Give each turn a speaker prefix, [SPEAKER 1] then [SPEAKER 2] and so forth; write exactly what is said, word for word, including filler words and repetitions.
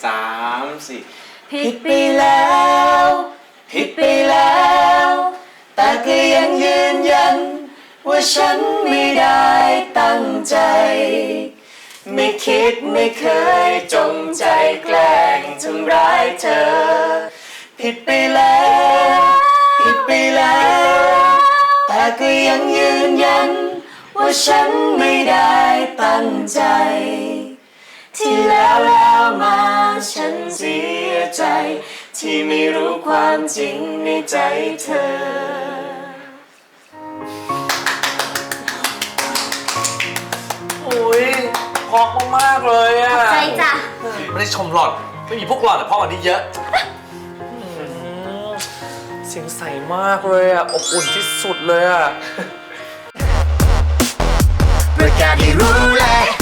[SPEAKER 1] สามสี่
[SPEAKER 2] ผิดไปแล้วผิดไปแล้วแต่ก็ยังยืนยันว่าฉันไม่ได้ตั้งใจไม่คิดไม่เคยจงใจแกล้งทำร้ายเธอผิดไปแล้วผิดไปแล้วแต่ก็ยังยืนยันว่าฉันไม่ได้ตั้งใจที่แล้วแล้วมาฉันเสียใจที่ไม่รู้ความจริงในใจเธอ
[SPEAKER 3] โอ้ยเพราะมากๆเลยอะ
[SPEAKER 2] ใจจ้ะ
[SPEAKER 3] ไม่ได้ชมหล่อนไม่มีพวกหล่อนแต่เพราะอันนี้เยอะเสียงใสมากเลยอะอบอุ่นที่สุดเลยอะ
[SPEAKER 2] ประกาศให้รู้เลย